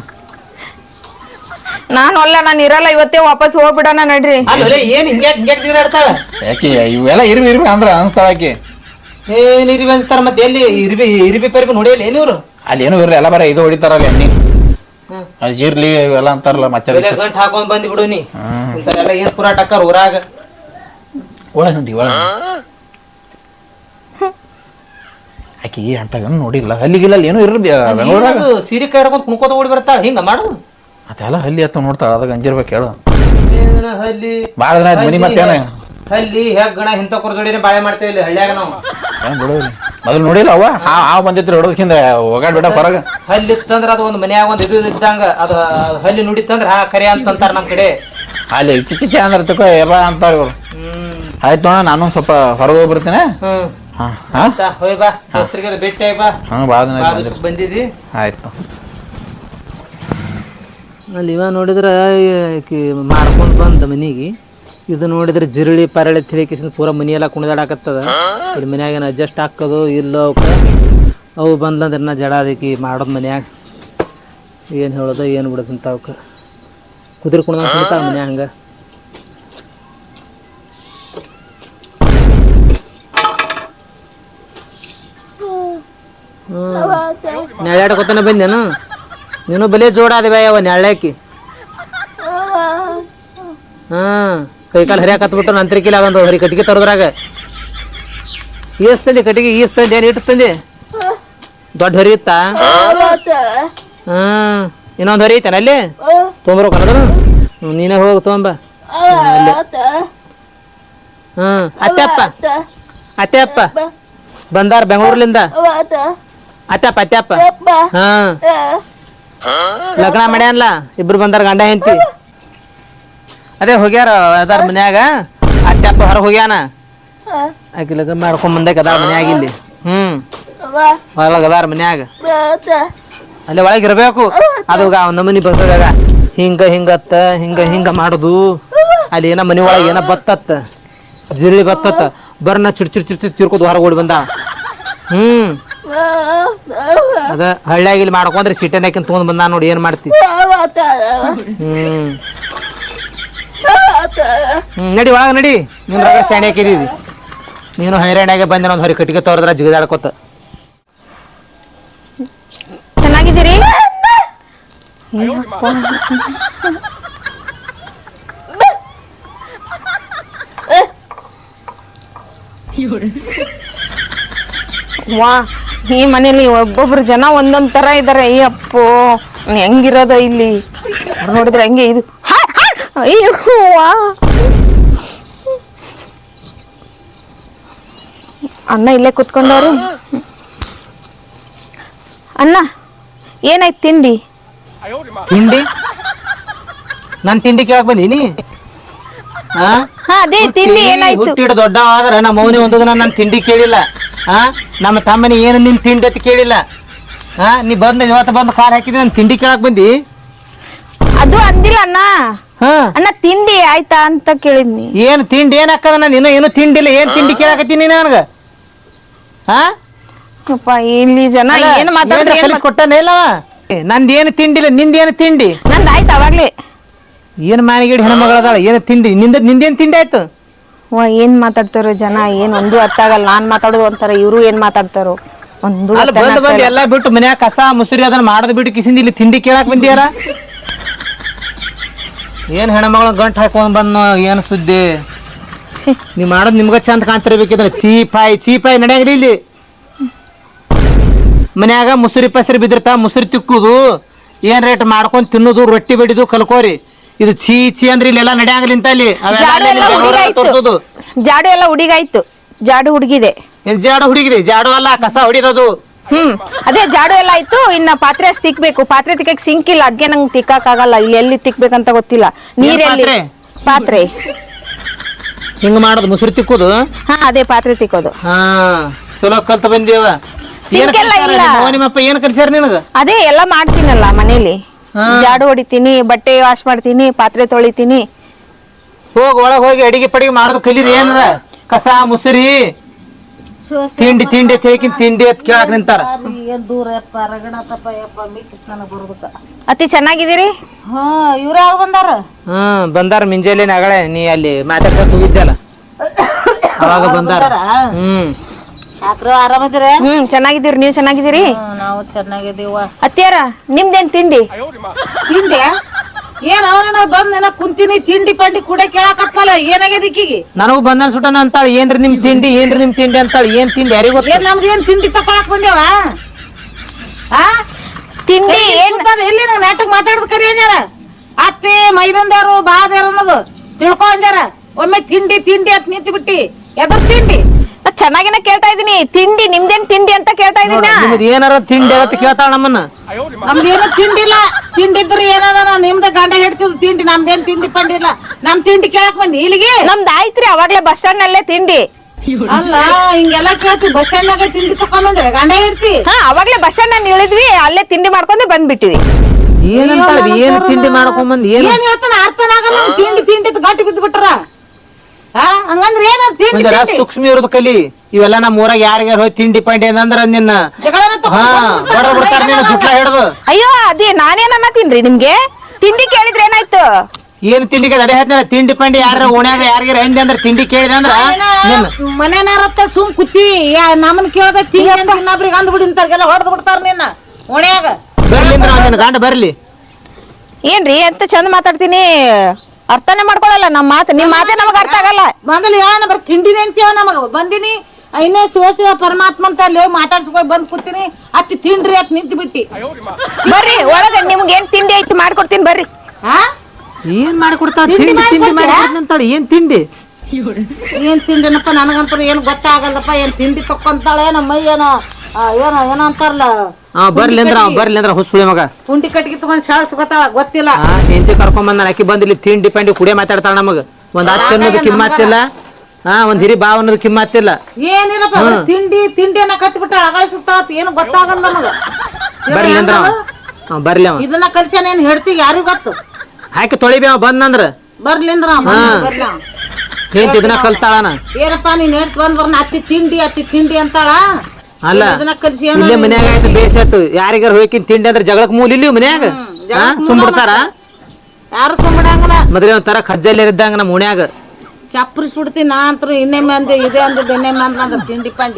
A: ನಾನು ಅಲ್ಲ ನಾನು ಇರಲ್ಲ ಇವತ್ತೇ ವಾಪಸ್ ಹೋಗ್ಬಿಡೋಣ ನಡ್ರಿ
C: ಅಲ್ಲೇ ಏನ್ ಹಿಂಗೆ ಹಿಂಗೆ ಜಿಗಾಡ್ತಾಳ
B: ಯಾಕೆ ಇವೆಲ್ಲ ಇರ್ಬಿ ಇರ್ಬಿ ಅಂದ್ರ ಅನ್ಸ್ತಾಳ ಆಕಿ
C: ಏನ್ ಇರಿಬಿ ಅನ್ಸ್ತಾರ ಮತ್ತೆ ಎಲ್ಲಿ ಇರಿಬಿ ಇರಿಬಿ ಪರಿಬಿ ನೋಡಿಯಲ್ಲ ಏನ್ ಇವ್ರು
B: ಅಲ್ಲಿ ಏನು ಇರ್ಲಿ ಎಲ್ಲ ಬರ ಇದು ಹೊಡಿತಾರಲ್ಲ ಎಣ್ಣಿ ಅಲ್ಲಿ ಜೀರ್ಲಿ ಇವೆಲ್ಲ ಅಂತಾರಲ್ಲ ಮಚ್ಚ
C: ಗಂಟ್ ಹಾಕೊಂಡ್ ಬಂದಿ ಬಿಡು ನೀ ಇಂಥವೆಲ್ಲ ಏನ್ ಪುರಾಟ ಅಕ್ಕಾರ ಊರಾಗ
B: ಒಳ ಹುಂಡಿ ಒಳ ಆಕಿ ಅಂತ ನೋಡಿಲ್ಲ ಹಲ್ಲಿಗಿಲ್ಲ ಏನೋ ಇರ್ಲಿ ಬೆಂಗಳೂರಾಗ
C: ಸೀರೆ ಕೈ ಹಿಡ್ಕೊಂಡ್ ಕುಣ್ಕೋತ ಓಡಿ ಬರ್ತಾಳ ಹಿಂಗ ಮಾಡು
B: ಅದೆಲ್ಲ ಹಲ್ಲಿ ಹತ್ತ ನೋಡ್ತಾಳ ಅದಾಗ ಅಂಜಿರ್ಬೇಕು ಹೇಳು
C: ಏನ ಹಲ್ಲಿ
B: ಬಾಳ ದಿನ ಆಯ್ತು ಮನಿ ಮತ್ತೇನ
C: ಹಲ್ಲಿ ಹೆಗ್ಗಣ ಇಂಥ ಕುರ್ಜೋಡಿನೇ ಬಾಳೆ ಮಾಡ್ತೇವೆ ಇಲ್ಲಿ ಹಳ್ಳಿಯಾಗ ನಾವು
B: ಏನ್ ಬಿಡೋರಿ ಮೊದಲು ನೋಡಿಲ್ಲ ಅವ ಹಾವು ಬಂದಿತ್ತು ಹೊಡೋದಕ್ಕಿಂತ ಹೋಗಾಡ್ ಬಿಡ ಹೊರಗ
C: ಹಲ್ಲಿ ಇತ್ತಂದ್ರ ಅದು ಒಂದು ಮನ್ಯಾಗ ಒಂದ್ ಇದು ಇದ್ದಂಗ ಅದು ಹಲ್ಲಿ ನುಡಿತಂದ್ರ ಹಾ ಕರೆ ಅಂತಂತಾರ ನಮ್ ಕಡೆ
B: ಅಲ್ಲಿ ಇಚ್ಚಿಚ್ಚಿ ಅಂದ್ರ ತಕೋ ಎಲ್ಲ ಅಂತಾರ ಇವ್ರು
C: ಹ್ಮ್
B: ಆಯ್ತು ನೋಡ ನಾನು ಸ್ವಲ್ಪ ಹೊರಗೆ ಹೋಗಿ ಬರ್ತೀನಿ
C: ಹ್ಮ್
B: ಹಾ ಹಾ
C: ಹೋಯ್ ಬಾ ದೋಸ್ತರಿಗೆ ಭೇಟಿ ಆಯ್ ಬಾ
B: ಹಾ ಭಾಳ ದಿನ ಆಯ್ತು ಬಂದಿಲ್ಲ.
C: ಬಂದಿದಿ
B: ಆಯ್ತು
C: ಅಲ್ಲಿ ಇವ ನೋಡಿದ್ರ ಮಾಡ್ಕೊಂಡು ಬಂದ ಮನಿಗೆ ಇದು ನೋಡಿದ್ರೆ ಜಿರಳಿ ಪರಳಿ ತಿಳಿಕಿಸಿದ ಪೂರ ಮನಿ ಎಲ್ಲ ಕುಣಿದಾಡಕತ್ತದ ಇಲ್ಲಿ ಮನ್ಯಾಗ ಏನು ಅಡ್ಜಸ್ಟ್ ಹಾಕೋದು ಇಲ್ಲ ಅವಕ್ಕೆ ಅವು ಬಂದ್ಲಂದ್ರೆ ನಾ ಜಡ ಅದಕ್ಕೆ ಮಾಡೋದು ಮನ್ಯಾಗ ಏನು ಹೇಳೋದು ಏನು ಬಿಡೋದಂತ ಅವಕ್ಕೆ ಕುದುರೆ ಕುಣ್ದಂಗೆ ಕುಣಿತಾಳ ಮನ್ಯಾಗ ಹಂಗೆ ಹ್ಞೂ ನೆಳ್ಯಾಡ್ಕೊತಾನೆ ಬಂದೇನು ನೀನು ಬಲೆ ಜೋಡ ಅದೇ ಯಾವ ನೆಳ್ಯಾಕಿ ಹಾಂ ಕೈಕಾಲು ಹರಿಯಾಕ ಹತ್ಬಿಟ್ಟು ನಂತರಿಕಿಲ್ಲ ಒಂದು ಹರಿ ಕಟ್ಟಿಗೆ ತರೋದ್ರಾಗ ಈಸ್ ತಂದೆ ಕಟ್ಟಿಗೆ ಈಸ್ ತಂದೆ ಏನು ಇಟ್ಟು ತಂದೆ ದೊಡ್ಡ ಹರಿ ಇತ್ತಾ ಹಾಂ ಇನ್ನೊಂದು ಹರಿ ಐತೇನ ಅಲ್ಲಿ ತೊಗೊಂಬರ್ಬೇಕನ್ನೋದು ನೀನೇ ಹೋಗಿ ತೊಗೊಂಬ ಅಲ್ಲಿ ಹಾಂ ಅತ್ತೆಪ್ಪ ಅತ್ತೆಪ್ಪ ಬಂದಾರ ಬೆಂಗಳೂರ್ಲಿಂದ ಅತ್ತೆಪ್ಪ ಅತ್ತೆಪ್ಪ ಹಾಂ ಲಗ್ನ ಮಾಡ್ಯಾನ್ಲ ಇಬ್ರು ಬಂದಾರ ಗಂಡ ಹೆಂಡತಿ ಅದೇ ಹೋಗ್ಯಾರ ಅದಾರ ಮನ್ಯಾಗ ಅತ್ತೆಪ್ಪ ಹೊರ ಹೋಗ್ಯಾನ ಆಕಿ ಲಗ್ನ ಮಾಡ್ಕೊಂಡ್ ಬಂದಾಗ ಅದಾರ ಮನ್ಯಾಗ ಇಲ್ಲಿ ಹ್ಮ್ ಹೊರಗ ಅದಾರ ಮನ್ಯಾಗ ಅಲ್ಲಿ ಒಳಗೆ ಇರ್ಬೇಕು ಅದು ನಮ್ಮನಿ ಬರ್ತದಾಗ ಹಿಂಗ ಹಿಂಗತ್ತ ಹಿಂಗ ಹಿಂಗ ಮಾಡುದು ಅಲ್ಲಿ ಏನ ಮನಿ ಒಳಗೆ ಏನ ಬತ್ತತ್ತ ಜಿರಳಿ ಬತ್ತತ್ತ ಬರ್ನ ಚಿಡ್ ಚಿಡ್ ಚಿಡ್ ಚಿಡ್ ಚಿರ್ಕೋದು ಹೊರಗೆ ಓಡಿ ಬಂದ ಹ್ಮ್ ಅದ ಹಳ್ಳಿಯಾಗ ಇಲ್ಲಿ ಮಾಡ್ಕೊಂಡ್ರೆ ಸಿಟೆನಾಕಿನ್ ತೊಗೊಂಡ್ ಬಂದ ನೋಡಿ ಏನ್ ಮಾಡ್ತಿ ಹ್ಮ್ ಹ್ಮ್ ನಡಿ ಒಳಗ ನಡಿ ನೀನ್ ರಗಡ ಸ್ಯಾಂಡಿ ಹಾಕಿದೀವಿ ನೀನು ಹೈರಾಣಿಯಾಗೆ ಬಂದ ಒಂದು ಹೊರಿ ಕಟ್ಟಿಗೆ ತೋರದ್ರ ಜಿಗಿದಾಡ್ಕೋತ
A: ಚೆನ್ನಾಗಿದ್ದೀರಿ ವಾ ಈ ಮನೇಲಿ ಒಬ್ಬೊಬ್ರು ಜನ ಒಂದೊಂದ್ ತರ ಇದಾರೆ ಅಯ್ಯಪ್ಪೋ ಹೆಂಗಿರೋದ ಇಲ್ಲಿ ನೋಡಿದ್ರೆ ಹೆಂಗೆ ಇದು ಅಯ್ಯೋ ವಾ ಅಣ್ಣ ಇಲ್ಲೇ ಕುತ್ಕೊಂಡವ್ರಿ ಅಣ್ಣ ಏನಾಯ್ತು ತಿಂಡಿ
C: ತಿಂಡಿ ನನ್ ತಿಂಡಿ ಕೇಳಕ್ ಬಂದೀನಿ
A: ಹಾ ಅದೇ ತಿಂಡಿ ಏನಾಯ್ತು
C: ಹುಟ್ಟಿಡ ದೊಡ್ಡ ಆದ್ರ ನಮ್ಮ ಮೌನಿ ಒಂದು ನನ್ನ ತಿಂಡಿ ಕೇಳಿಲ್ಲ ಹಾ ನಮ್ಮ ತಮ್ಮನಿ ಏನು ನಿನ್ ತಿಂಡಿ ಅಂತ ಕೇಳಿಲ್ಲ ಹಾ ನೀ ಬಂದ ಇವತ್ತು ಬಂದು ಕಾರ್ ಹಾಕಿದ್ರೆ ನನ್ ತಿಂಡಿ ಕೇಳಕ್ ಬಂದಿ
A: ಅದು ಅಂದಿಲ್ಲ ಅಣ್ಣ
C: ಹಾ
A: ಅಣ್ಣ ತಿಂಡಿ ಆಯ್ತಾ ಅಂತ ಕೇಳಿದ್ನಿ
C: ಏನ್ ತಿಂಡಿ ಏನ್ ಹಾಕದ ನಾನು ಇನ್ನೂ ಏನು ತಿಂಡಿಲ್ಲ ಏನ್ ತಿಂಡಿ ಕೇಳಕತ್ತೀನಿ ನನಗ ಹಾ
A: ಅಪ್ಪ ಇಲ್ಲಿ ಜನ ಏನ್ ಮಾತಾಡಿದ್ರೆ
C: ಕೊಟ್ಟನೇ ಇಲ್ಲವ ನಂದ್ ಏನು ತಿಂಡಿಲ್ಲ ನಿಂದ ಏನು ತಿಂಡಿ
A: ನಂದ್ ಆಯ್ತು ಅವಾಗ್ಲೇ
C: ಏನ್ ಮಾನಿಗೇಡಿ ಹೆಣ್ಮಗಳದಾಳ ಏನು ತಿಂಡಿ ನಿಂದ ನಿಂದೇನ್ ತಿಂಡಿ ಆಯ್ತು
A: ವಾ ಏನ್ ಮಾತಾಡ್ತಾರೋ ಜನ ಏನ್ ಒಂದು ಅರ್ಥ ಆಗಲ್ಲ ನಾನ್ ಮಾತಾಡೋದು ಒಂಥರ ಇವ್ರು ಏನ್ ಮಾತಾಡ್ತಾರೋ ಒಂದು
C: ಅಲ್ಲಿ ಬಂದ್ ಬಂದ್ ಎಲ್ಲಾ ಬಿಟ್ಟು ಮನ್ಯಾಗ ಕಸ ಮುಸುರಿ ಅದನ್ನ ಮಾಡೋದ್ ಬಿಟ್ಟು ಕಿಸಿಂದ ಇಲ್ಲಿ ತಿಂಡಿ ಕೇಳಾಕ್ ಬಂದಿಯಾರ ಏನ್ ಹೆಣ್ಮಗಳ ಗಂಟ್ ಹಾಕೊಂಡ್ ಬಂದ್ ಏನ್ ಸುದ್ದಿ
A: ಛೀ,
C: ನೀವ್ ಮಾಡೋದ್ ನಿಮ್ಗ ಚಂದ ಕಾಣ್ತಿರ್ಬೇಕಿದ್ರ ಚೀಪಾಯಿ ಚೀಪಾಯಿ ನಡೆಯಾಗ್ರಿ ಇಲ್ಲಿ ಮನ್ಯಾಗ ಮುಸುರಿ ಪಸರಿ ಬಿದ್ದಿರ್ತ ಮುಸುರಿ ತಿಕ್ಕುದು ಏನ್ ರೇಟ್ ಮಾಡ್ಕೊಂಡ್ ತಿನ್ನುದು ರೊಟ್ಟಿ ಬಡಿದು ಕಲ್ಕೋರಿ ಇದು ಚೀ ಚೀ ಅಂದ್ರೆ ಇಲ್ಲೆಲ್ಲ ನಡೆಯಾಗ್ಲಿ ಅಂತ ಇಲ್ಲಿ ಅವೆಲ್ಲ
A: ಜಾಡು ಎಲ್ಲ
C: ಅಲ್ಲಿ
A: ಹುಡುಗಾಯ್ತು
C: ತೋರ್ಸೋದು
A: ಜಾಡು ಎಲ್ಲ ಹುಡುಗಾಯ್ತು ಜಾಡು ಹುಡುಗಿದೆ.
C: ಏನ್ ಜಾಡು ಹುಡುಗಿರಿ ಜಾಡು ಅಲ್ಲ ಕಸ ಹೊಡಿರೋದು.
A: ಹ್ಮ್ ಅದೇ ಜಾಡು ಎಲ್ಲ ಆಯ್ತು. ಇನ್ನ ಪಾತ್ರೆ ಅಷ್ಟು ತಿಕ್ಬೇಕು. ಪಾತ್ರೆ ತಿಕ್ಕಕ್ ಸಿಂಕ್ ಇಲ್ಲ, ಅದ್ಕೆ ನಂಗೆ ತಿಕ್ಕಕ್ ಆಗಲ್ಲ. ಇಲ್ಲಿ ಎಲ್ಲಿ ತಿಕ್ಬೇಕಂತ ಗೊತ್ತಿಲ್ಲ. ನೀರೆಲ್ಲಿ
C: ಪಾತ್ರೆ?
A: ಪಾತ್ರೆ
C: ಹಿಂಗ ಮಾಡೋದು ಮುಸುರಿ ತಿಕ್ಕುದು.
A: ಹಾ ಅದೇ ಪಾತ್ರೆ ತಿಕ್ಕೋದು.
C: ಹಾ ಚಲೋ ಕಲ್ತ ಬಂದೇವ.
A: ಸಿಂಕ್ ಎಲ್ಲ ಇಲ್ಲ.
C: ನಿಮ್ಮಪ್ಪ ಏನ್ ಕಲ್ಸ್ಯಾರ ನಿನಗ?
A: ಅದೇ ಎಲ್ಲ ಮಾಡ್ತೀನಲ್ಲ ಮನೇಲಿ.
C: ಹಾ.
A: ಜಾಡು ಹೊಡಿತೀನಿ, ಬಟ್ಟೆ ವಾಶ್ ಮಾಡ್ತೀನಿ, ಪಾತ್ರೆ ತೊಳಿತೀನಿ.
C: ಹೋಗಿ ಒಳಗ್ ಹೋಗಿ ಅಡಿಗೆ ಪಡಿಗೆ ಮಾಡೋದು ಕಲೀರಿ. ಏನ್ರ ಕಸ ಮುಸುರಿ ತಿಂಡಿ ತಿಂಡಿ ತಿಳ್ಕಿನ್ ತಿಂಡಿ ಅಂತ ಕೇಳಕ್ ನಿಂತಾರ.
A: ಅತಿ ಚೆನ್ನಾಗಿದ್ದೀರಿ?
D: ಹಾ ಇವ್ರ ಆಗ ಬಂದಾರ.
C: ಹ್ಮ್ ಬಂದಾರ ಮುಂಜಾನೆ ನಗಳೆ ನೀ ಅಲ್ಲಿ ಮಾತಾಡ್ಸಕ್ ಹೋಗಿದ್ದಲ್ಲ ಅವಾಗ ಬಂದಾರ. ಹ್ಮ್
D: ಯಾಕ್ರ ಆರಾಮದಿರ?
A: ಹ್ಮ್ ಚೆನ್ನಾಗಿದ್ದೀರಿ. ನೀವ್ ಚೆನ್ನಾಗಿದ್ದೀರಿ?
D: ನಾವು ಚೆನ್ನಾಗಿದೀವ.
A: ಅತ್ತಿಯಾರ ನಿಮ್ದೇನ್ ತಿಂಡಿ?
D: ತಿಂಡಿ ಏನ್ ಅವನ ಬಂದ್ ಕುಂತೀನಿ ತಿಂಡಿ ಪಂಡಿ ಕೂಡ ಕೇಳಾಕತ್ತಲ್ಲ. ಏನಾಗ್ಯದ ಈಕಿಗೆ?
C: ನನಗೂ ಬಂದನ್ ಸುಟನ ಅಂತಾಳ. ಏನ್ರಿ ನಿಮ್ ತಿಂಡಿ ಏನ್ರಿ ನಿಮ್ ತಿಂಡಿ ಅಂತಾಳ. ಏನ್ ತಿಂಡಿ ಯಾರಿಗ ಗೊತ್ತ?
D: ಏನ್ ನಮ್ದು ಏನ್ ತಿಂಡಿ ತಕೊಳಕ್ ಬಂದೇವ? ಆ
A: ತಿಂಡಿ ಏನ್
D: ಎಲ್ಲಿ ನಾವು ನಾಟಕ ಮಾತಾಡೋದು ಕರಿ ಅಂಜಾರ. ಅತ್ತೆ ಮೈದಂದಾರು ಬಾದಾರು ಅನ್ನೋದು ತಿಳ್ಕೊ ಅಂಜಾರ. ಒಮ್ಮೆ ತಿಂಡಿ ತಿಂಡಿ ಅಂತ ನಿಂತು ಬಿಟ್ಟಿ ಎದ್ರ ತಿಂಡಿ?
A: ಚೆನ್ನಾಗಿನ ಕೇಳ್ತಾ ಇದೀನಿ. ತಿಂಡಿ ನಿಮ್ದೇನ್ ತಿಂಡಿ ಅಂತ ಕೇಳ್ತಾ ಇದೀನಿ.
C: ನಿಮ್ದು ಏನಾರ ತಿಂಡಿ ಅಂತ ಕೇಳ್ತಾಳ ನಮ್ಮನ್ನ.
D: ನಮ್ದೇನು ತಿಂಡಿಲ್ಲ. ತಿಂಡಿದ್ರೆ ಏನದ ನಾವ್ ನಿಮ್ದ ಗಂಡ ಹೇಳ್ತಿದ್ ತಿಂಡಿ. ನಮ್ದೇನ್ ತಿಂಡಿ ಪಂಡಿ ಇಲ್ಲ. ನಮ್ ತಿಂಡಿ ಕೇಳಕ್ ಬಂದಿ ಇಲ್ಲಿಗೆ?
A: ನಮ್ದು ಆಯ್ತ್ರಿ ಅವಾಗ್ಲೇ ಬಸ್ ಸ್ಟಾಂಡ್ ನಲ್ಲೇ ತಿಂಡಿ.
D: ಅಲ್ಲ ಹಿಂಗೆಲ್ಲ ಕೇಳ್ತಿ. ಬಸ್ ಸ್ಟ್ಯಾಂಡ್ ನಾಗ ತಿಂಡಿ ತಕೊಂಬಂದ್ರೆ ಗಂಡ ಹೇಳ್ತಿ?
A: ಹಾ ಅವಾಗ್ಲೇ ಬಸ್ ಸ್ಟಾಂಡ್ ನಲ್ಲಿ ಇಳಿದ್ವಿ, ಅಲ್ಲೇ ತಿಂಡಿ ಮಾಡ್ಕೊಂಡೆ ಬಂದ್ಬಿಟ್ಟಿವಿ.
C: ಏನಂತಾಳ? ಏನ್ ತಿಂಡಿ ಮಾಡ್ಕೊಂಡ್ ಬಂದ್ ಏನ್
D: ಏನ್ ಹೇಳ್ತಾನ ಅರ್ಥನ ಆಗಲ್ಲ. ಅವ್ನ್ ತಿಂಡಿ ತಿಂಡಿ ಅಂತ ಗಟ್ಟಿ ಬಿದ್ದು ಬಿಟ್ರ. ಹಾ ಹಂಗಂದ್ರೆ ಏನ ತಿಂಡಿ
C: ಒಂದರ
D: ತಿಂಡಿ?
C: ಸೂಕ್ಷ್ಮ ಇರೋದು ಕಲಿ. ಇವೆಲ್ಲ ನಮ್ಮ ಊರಾಗ ಯಾರಿಗಾರ ಹೋಗಿ ತಿಂಡಿ ಪಂಡಿ ಏನಂದ್ರ ನಿನ್ನ
D: ಜಗಳನ
C: ಹಾ
D: ತಕೊಂಡ್
C: ಬಡ ಬಿಡ್ತಾರ ನಿನ್ನ ಜುಟ್ಲ ಹಿಡ್ದು.
A: ಅಯ್ಯೋ ಅದೇ ನಾನೇನ ತಿನ್ರಿ ನಿಮ್ಗೆ ತಿಂಡಿ ಕೇಳಿದ್ರೆ ಏನಾಯ್ತು?
C: ಏನ್ ತಿಂಡಿಗೆ ಅಡೆ ಹೇಳ್ತಾರ ತಿಂಡಿ ಪಂಡಿ ಯಾರ ಓಣ್ಯಾಗ ಯಾರಿಗಾರ ಹೆಂಗೆ ಅಂದ್ರೆ ತಿಂಡಿ ಕೇಳಿದ್ರೆ ಅಂದ್ರ ನಿನ್ನ
D: ಮನೆನಾರತ್ತ ಸುಮ್ ಕುತ್ತಿ ನಮ್ಮನ್ ಕೇಳ್ದ ತಿಂಡಿ ಅಂತ ಇನ್ನೊಬ್ರಿಗೆ ಅಂದ್ಬಿಡಿ ಇಂತಾರ್ಗೆಲ್ಲ ಹೊಡೆದ್ ಬಿಡ್ತಾರ ನಿನ್ನ ಓಣ್ಯಾಗ.
C: ಬರ್ಲಿ ಅಂದ್ರ ನಿನ್ನ ಗಂಡ ಬರ್ಲಿ.
A: ಏನ್ರಿ ಅಂತ ಚಂದ ಮಾತಾಡ್ತೀನಿ, ಅರ್ಥನೇ ಮಾಡ್ಕೊಳಲ್ಲ ನಮ್ಮ ಮಾತು. ನಿಮ್ ಮಾತೇ ನಮಗ ಅರ್ಥ ಆಗಲ್ಲ.
D: ಮೊದಲು ಹೇಳ ಬರ್ ತಿಂಡಿನೇ ಅಂತೀವ ನಮಗ. ಬಂದಿನಿ ಇನ್ನೇ ಶಿವ ಶಿವ ಪರಮಾತ್ಮ ಅಂತ ಅಲ್ಲಿ ಹೋಗಿ ಮಾತಾಡ್ಸ್ಕೊಂಡ್ ಬಂದ್ ಕೂತೀನಿ. ಅತ್ತಿ ತಿಂಡ್ರಿ ಅತ್ ನಿಂತು ಬಿಟ್ಟಿ.
A: ಬರ್ರಿ ಒಳಗ ನಿಮ್ಗೆ ಏನ್ ತಿಂಡಿ ಐತಿ ಮಾಡ್ಕೊಡ್ತೀನಿ ಬರ್ರಿ.
D: ಹಾ
C: ಏನ್ ಮಾಡ್ಕೊಡ್ತಾಳ? ತಿಂಡಿ ತಿಂಡಿ ಮಾಡ್ಕೊಡ್ತಾಳ. ಏನ್ ತಿಂಡಿ?
D: ಏನ್ ತಿಂಡಿನಪ್ಪ ನನಗಂತ ಏನ್ ಗೊತ್ತಾಗಲ್ಲಪ್ಪ. ಏನ್ ತಿಂಡಿ ತಕ್ಕೊಂತಾಳೆ ನಮ್ಮ ಮೈ ಏನೋ ಏನೋ ಏನೋ ಅಂತಾರಲ್ಲ.
C: ಹಾ ಬರ್ಲಿ ಅಂದ್ರ ಅವ ಬರ್ಲಿ ಅಂದ್ರ ಹುಸುಳಿ ಮಗ
D: ಪುಂಟಿ ಕಟ್ಟಿಗೆ ತಗೊಂಡ್ ಶಾಳ ಸುಗತಾಳ ಗೊತ್ತಿಲ್ಲ.
C: ಹಾ ಹೆಂಡತಿ ಕರ್ಕೊಂಡ್ ಬಂದ ಅಕ್ಕಿ ಬಂದಿಲ್ಲಿ ತಿಂಡಿ ಪಂಡಿ ಕುಡಿಯ ಮಾತಾಡ್ತಾಳ ನಮಗ. ಒಂದ್ ಹತ್ತು ಅನ್ನೋದು ಕಿಮ್ಮತ್ತಿಲ್ಲ. ಹಾ ಒಂದ್ ಹಿರಿ ಬಾವ್ ಅನ್ನೋದು ಕಿಮ್ಮತ್ತಿಲ್ಲ.
D: ಏನಿಲ್ಲಪ್ಪ ಬರೀ ತಿಂಡಿ ತಿಂಡಿ ಅನ್ನ ಕತ್ತಿ ಬಿಟ್ಟಾಳ. ಅಗಳ ಸುತ್ತಾವತ್ ಏನು ಗೊತ್ತಾಗಲ್ಲ ನಮಗ.
C: ಬರ್ಲಿ ಅಂದ್ರ ಅವ. ಹಾ ಬರ್ಲಿ ಅವ.
D: ಇದನ್ನ ಕಲ್ಸ್ಯಾನ ಏನ್ ಹೇಳ್ತಿ ಯಾರಿಗ ಗೊತ್ತು?
C: ಹಾಕಿ ತೊಳಿಬಿ ಅವ ಬಂದಂದ್ರ
D: ಬರ್ಲಿಂದ್ರ ಬರ್ಲಿ ಅವ.
C: ಹೆಂಡತಿ ಇದನ್ನ ಕಲ್ತಾಳನ.
D: ಏನಪ್ಪಾ ನೀನ್ ಹೇಳ್ತ ಬಂದ್ ಬರ್ನ ಅತ್ತಿ ತಿಂಡಿ ಅತ್ತಿ ತಿಂಡಿ ಅಂತಾಳ.
C: ಅಲ್ಲ
D: ಇದನ್ನ ಕಲ್ಸಿ
C: ಇಲ್ಲೇ ಮನ್ಯಾಗ ಆಯ್ತು ಬೇಸಾಯ್ತು. ಯಾರಿಗಾರ ಹೋಗಿನ್ ತಿಂಡಿ ಅಂದ್ರೆ ಜಗಳಕ್ ಮೂಲ ಇಲ್ಲಿ ಮನ್ಯಾಗ ಸುಮ್ಬಿಡ್ತಾರ.
D: ಯಾರು ಸುಮ್ಮಡಂಗಲ್ಲ.
C: ಮದ್ವೆ ಒಂಥರ ಖಜ್ಜಲ್ಲಿ ಇದ್ದಂಗ ನಮ್ಮ ಉಣ್ಯಾಗ
D: ಚಪ್ಪರಿಸ್ಬಿಡ್ತೀನಿ ನಾ ಅಂತೂ. ಇನ್ನೊಮ್ಮೆ ಅಂದೆ ಇದೆ ಅಂದದ್ದು ಇನ್ನೊಮ್ಮೆ ಅಂದ್ರ ತಿಂಡಿ ಪಂಡಿ.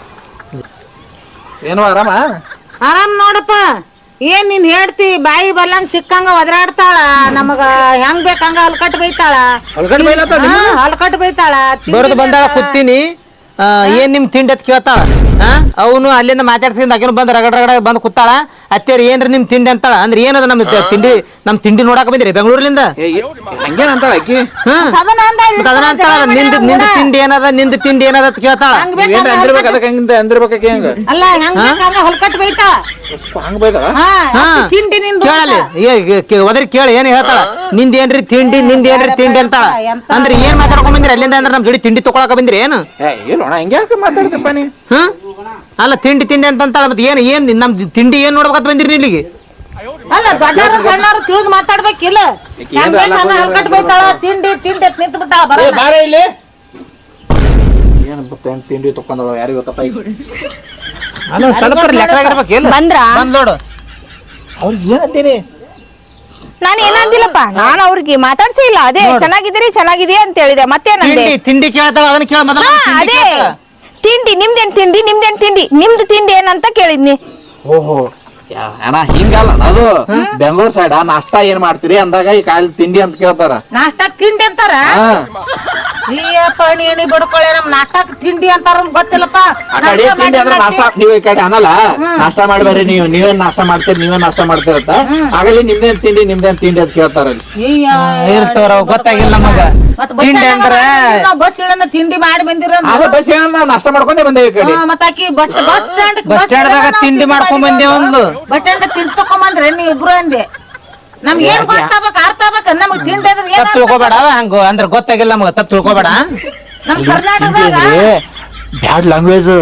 B: ಏನು ಆರಾಮ?
D: ಆರಾಮ್ ನೋಡಪ್ಪ. ಏನ್ ನೀನ್ ಹೇಳ್ತಿ ಬಾಯಿ ಬಲ್ಲಂಗ್ ಸಿಕ್ಕಂಗ ಒದರಾಡ್ತಾಳ. ನಮಗ ಹೆಂಗ್ ಬೇಕ್ ಹಂಗ ಹಲ್ಕಟ್ ಬೈತಾಳ.
B: ಹೊಲ್ಗಡೆ ಬೈಲತ್ತಾಳ
D: ಹಾ, ಹಲ್ಕಟ್ ಬೈತಾಳ.
C: ಬರೋದು ಬಂದಾಳ ಕೂತೀನಿ. ಆ, ಏನ್ ನಿಮ್ ತಿಂಡಿ ಅಂತ ಕೇಳ್ತಾಳ. ಹಾ ಅವನು ಅಲ್ಲಿಂದ ಮಾತಾಡ್ಸಿಂದ ಆಕಿನ ಬಂದ್ ರಗಡ ರಗಡ ಬಂದ್ ಕೂತಾಳ. ಅತ್ತೇರಿ ಏನ್ರಿ ನಿಮ್ ತಿಂಡಿ ಅಂತಾಳ. ಅಂದ್ರೆ ಏನದ ನಮ್ ತಿಂಡಿ ನಮ್ ತಿಂಡಿ ನೋಡಾಕ ಬಂದಿರಿ ಬೆಂಗಳೂರ್ಲಿಂದ.
B: ಹಂಗೇನ ಅಂತಾಳ ಆಕಿ?
C: ಹ್ಮ್
D: ಅದನ್ನ ಅಂದ
C: ಮತ್ತ್ ಅದನ್ನ ಅಂತಾಳ. ನಿಂದ ನಿಂದ ತಿಂಡಿ ಏನದ ನಿಂದ ತಿಂಡಿ ಏನದ ಅಂತ ಕೇಳ್ತಾಳ.
D: ಹಂಗ್ ಬೇಕ್
B: ಏನ್ ಅಂದಿರ್ಬೇಕು ಅದಕ್ಕೆ ಹಂಗಿಂದ ಅಂದಿರ್ಬೇಕು ಆಕಿ ಹಂಗ.
D: ಅಲ್ಲ ಹೆಂಗ್ ಬೇಕ್ ಹಂಗ ಹಲ್ಕಟ್ ಬೈತಾಳ.
B: ಹಂಗ ಬೈತಾಳ?
D: ಹಾ
C: ಹಾ
D: ಅತ್ತಿ ತಿಂಡಿ ನಿಂದು
C: ಕೇಳಲಿ ಒದರಿ ಕೇಳಿ ಏನ್ ಹೇಳ್ತಾಳ. ನಿಂದ ಏನ್ರಿ ತಿಂಡಿ ನಿಂದ ಏನ್ರಿ ತಿಂಡಿ ಅಂತಾಳ. ಅಂದ್ರೆ ಏನ್ ಮಾತಾಡ್ಕೊಂಡ್ ಬಂದಿರಿ ಅಲ್ಲಿಂದ? ಅಂದ್ರೆ ನಮ್ ಜೋಡಿ ತಿಂಡಿ ತಗೊಳಕ ಬಂದಿರಿ ಏನು?
B: ಏ ಇಲ್ಲೋಣ ಹಿಂಗ್ಯಾಕ ಮಾತಾಡ್ತಪ್ಪ ನೀ?
C: ಹ್ಮ್ ಅಲ್ಲ ತಿಂಡಿ ತಿಂಡಿ ಅಂತ ಅಂತಾಳ. ಮತ್ತೆ ಏನ್ ಏನ್ ನಮ್ ತಿಂಡಿ ಏನ್ ನೋಡ್ಬೇಕಂತ ಬಂದಿರಿ ಇಲ್ಲಿಗೆ?
D: ಅಲ್ಲ ದೊಡ್ಡವರು ಸಣ್ಣವರು ತಿಳಿದು ಮಾತಾಡ್ಬೇಕಿಲ್ಲ. ಹೆಂಗ್ ಬೇಕ್ ಹಂಗ ಹಲ್ಕಟ್ ಬೈತಾಳ. ತಿಂಡಿ ತಿಂಡಿ ಅಂತ ನಿಂತು ಬಿಟ್ಟಾಳ. ಬರ
B: ಏ ಬಾರೆ ಇಲ್ಲಿ. ಏನ್ ಬತ್ತ ತಿಂಡಿ ತಕೊಂಡವ ಯಾರಿಗ ಗೊತ್ತಪ್ಪ ಈಗ.
C: ಅಲ್ಲ ಸ್ವಲ್ಪ ಲೆಕ್ಕರಾಗಿರ್ಬೇಕಿಲ್ಲ.
A: ಬಂದ್ರ
C: ಬಂದ್ ನೋಡು.
B: ಅವ್ರಿಗೆ ಏನಂತೀನಿ?
A: ನಾನು ಏನಂದಿಲ್ಲಪ್ಪ. ನಾನು ಅವ್ರಿಗೆ ಮಾತಾಡ್ಸಿ ಇಲ್ಲ. ಅದೇ ಚೆನ್ನಾಗಿದ್ದೀರಿ ಚೆನ್ನಾಗಿದೆಯಾ ಅಂತ ಹೇಳಿದೆ. ಮತ್ತೇನಂದೆ?
C: ತಿಂಡಿ ತಿಂಡಿ ಕೇಳ್ತಾಳ. ಅದನ್ನ ಕೇಳ ಮೊದಲ.
A: ಹಾ ಅದೇ ತಿಂಡಿ ನಿಮ್ದೇನ್ ತಿಂಡಿ ನಿಮ್ದೇನ್ ತಿಂಡಿ ನಿಮ್ದು ತಿಂಡಿ ಏನಂತ ಕೇಳಿದ್ನಿ.
B: ಓಹೋ ಅಣ್ಣ ಹಿಂಗಲ್ಲ ಅದು ಬೆಂಗಳೂರು ಸೈಡ್ ನಾಷ್ಟಾ ಏನ್ ಮಾಡ್ತೀರಿ ಅಂದಾಗ ಈ ಕಾಯಿ ತಿಂಡಿ ಅಂತ ಕೇಳ್ತಾರ.
D: ನಾಷ್ಟಾಕ್ ತಿಂಡಿ ಅಂತಾರ
B: ಹಾ
D: ಅಯ್ಯಪ್ಪ ನೀಣಿ ಬಡ್ಕೊಳ್ಳೆ ನಮ್ ನಾಷ್ಟಾಕ್ ತಿಂಡಿ ಅಂತಾರ ಗೊತ್ತಿಲ್ಲಪ್ಪ.
B: ಆ ಕಡೆ ತಿಂಡಿ ಅಂದ್ರೆ ನಾಷ್ಟಾ ನೀವು ಈ ಕಡೆ ಅನ್ನಲ್ಲ ನಾಷ್ಟಾ ಮಾಡ್ಬೇರಿ ನೀವು ನೀವೇನ್ ನಾಷ್ಟಾ ಮಾಡ್ತೀರಿ ನೀವೇನ್ ನಾಷ್ಟಾ ಮಾಡ್ತೀರತ್ತ ಆಗಲಿ ನಿಮ್ದೇನ್ ತಿಂಡಿ ನಿಮ್ದೇನ್ ತಿಂಡಿ ಅಂತ ಕೇಳ್ತಾರ.
C: ಇರ್ತವ್ರ ಗೊತ್ತಾಗಿಲ್ಲ ನಮಗ ತಿಂಡಿ ಅಂದ್ರ
D: ಬಸ್ ಇಳನ್ನ ತಿಂಡಿ ಮಾಡಿ ಬಂದಿರ
B: ಅದ ಬಸ್ ಏನ ನಾಷ್ಟಾ ಮಾಡ್ಕೊಂಡೇ ಬಂದೇವಿ ಈ ಕಡೆ.
D: ಮತ್ತ ಆಕಿ ಬಸ್ ಬಸ್ ಸ್ಟ್ಯಾಂಡ್
C: ಬಸ್ ಸ್ಟ್ಯಾಂಡ್ದಾಗ ತಿಂಡಿ ಮಾಡ್ಕೊಂಡ್ ಬಂದೆ ಒಂದು
D: ಬಸ್ ಸ್ಟ್ಯಾಂಡ್ ತಿಂಡಿ ತಕೊಂಬಂದ್ರೆ ನೀವ್ ಇಬ್ರು ಅಂದೆ ನಮ್ಗೆ ಏನ್ ಗೊತ್ತಾಗ್ಬೇಕ ಅರ್ಥ ಆಗ್ಬೇಕ ನಮಗ್ ತಿಂಡಿ ಅಂದ್ರೆ ಏನ್
C: ತಪ್ಪು ತಿಳ್ಕೊಬೇಡ ಹಂಗ ಅಂದ್ರ ಗೊತ್ತಾಗಿಲ್ಲ ನಮಗ ತಪ್ಪು ತಿಳ್ಕೊಬೇಡ.
D: ನಮ್ ಕರ್ನಾಟಕದಾಗ
B: ಬ್ಯಾಡ್ ಲ್ಯಾಂಗ್ವೇಜ್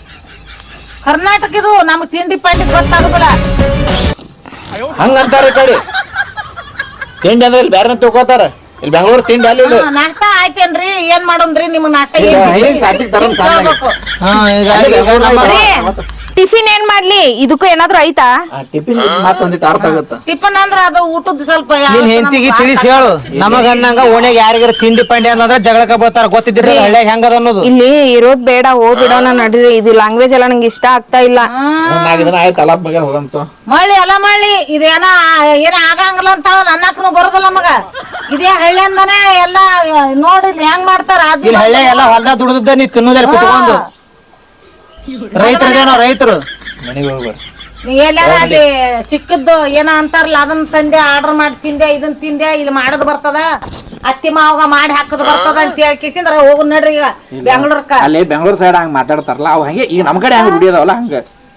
D: ಕರ್ನಾಟಕ ಇದು ನಮಗ್ ತಿಂಡಿ ಪಾಂಡಿ ಗೊತ್ತಾಗುದಿಲ್ಲ.
B: ಹಂಗಂತಾರ ಈ ಕಡೆ ತಿಂಡಿ ಅಂದ್ರೆ ಇಲ್ಲಿ ಬ್ಯಾರೆ ತಿಳ್ಕೊತಾರ. ಇಲ್ಲಿ ಬೆಂಗಳೂರು ತಿಂಡಿ ಅಲ್ಲಿ
D: ಹಾ, ನಾಷ್ಟ ಆಯ್ತೇನ್ರಿ ಏನ್ ಮಾಡೋಣ್ರಿ ನಿಮ್ಗ್ ನಾಷ್ಟ
B: ಈಗ
D: ಏನ್
B: ಹೆಂಗ್ ಸಾಕಿಗ್ ತರೋದ್ ಸಾಕಾಗಿ.
D: ಕೇಳ್ಬೇಕು.
C: ಹಾ ಈಗ ಈಗ ನಮ್ಮ-
A: ಟಿಫಿನ್ ಏನ್ ಮಾಡ್ಲಿ ಇದಕ್ಕೂ ಏನಾದ್ರು ಐತಾ?
B: ಟಿಫಿನ್ ಮತ್ತೊಂದಿಟ್ಟು ಅರ್ಥ ಆಗುತ್ತ.
D: ಟಿಫನ್ ಅಂದ್ರ ಅದು ಊಟದ ಸ್ವಲ್ಪ ಯಾವ
C: ನಿನ್ ಹೆಂಡತಿಗೆ ತಿಳಿಸಿ ಹೇಳು ನಮಗ ಅನ್ನಂಗ ಓಣ್ಯಾಗ ಯಾರಿಗಾರ ತಿಂಡಿ ಪಂಡಿ ಅನ್ನೋದ್ರ ಜಗಳಕ ಬರ್ತಾರ ಗೊತ್ತಿದ್ರಿ ಹಳ್ಳ್ಯಾಗ ಹೆಂಗದ ಅನ್ನೋದು.
A: ಇಲ್ಲಿ ಇರೋದ್ ಬೇಡ ಹೋಗ್ಬಿಡೋಣ ನಡೀರಿ. ಇದು ಲ್ಯಾಂಗ್ವೇಜ್ ಎಲ್ಲ ನಂಗೆ ಇಷ್ಟ ಆಗ್ತಾ ಇಲ್ಲ.
B: ನಾಲ್ಕು ದಿನ ಆಯ್ತು ಅಲಾಪ್ ಬಗ್ಗೆ ಹೋಗಂತ.
D: ಮಳ್ಳಿ ಎಲ್ಲ ಮಳ್ಳಿ ಇದೇನ ಏನ ಆಗಂಗಿಲ್ಲ ಅಂತ ಅನ್ನಕ್ನು ಬರೋದಿಲ್ಲ ಮಗ. ಇದೇ ಹಳ್ಳಿ ಅಂದಾನೆ ಎಲ್ಲಾ ನೋಡಿ ಹೆಂಗ್ ಮಾಡ್ತಾರ ಆಜು
C: ಇಲ್ಲಿ ಹಳ್ಳ್ಯಾಗ ಎಲ್ಲ ಹೊಲ್ದಾಗ ದುಡ್ದದ್ದ ನೀ ತಿನ್ನೋದಾರ ಕುತ್ಕೊಂಡು ರೈತರದೇನೋ ರೈತರು
B: ಮನೆಗೆ ಹೋಗ್ಬಾರ
D: ನೀ ಎಲ್ಲಾರ ಅಲ್ಲಿ ಸಿಕ್ಕದ್ದು ಏನೋ ಅಂತಾರಲ್ಲ ಅದನ್ನ ತಂದೆ ಆರ್ಡರ್ ಮಾಡಿ ತಿಂದೆ ಇದನ್ ತಿಂದೆ ಇಲ್ಲಿ ಮಾಡದ್ ಬರ್ತದ ಅತ್ತಿ ಮಾವಾಗ ಮಾಡಿ ಹಾಕದ್ ಬರ್ತದ ಅಂತ ಹೇಳ್ಕಿಸಿಂದ್ರ ಹೋಗು ನಡ್ರಿ ಈಗ ಬೆಂಗಳೂರ್ಕ.
B: ಅಲ್ಲಿ ಬೆಂಗಳೂರು ಸೈಡ್ ಹಂಗ ಮಾತಾಡ್ತಾರಲ್ಲ ಅವ್ ಹಂಗೆ ಈಗ ನಮ್ ಕಡೆ ಹಂಗ ದುಡಿಯೋದವಲ್ಲ ಹಂಗ.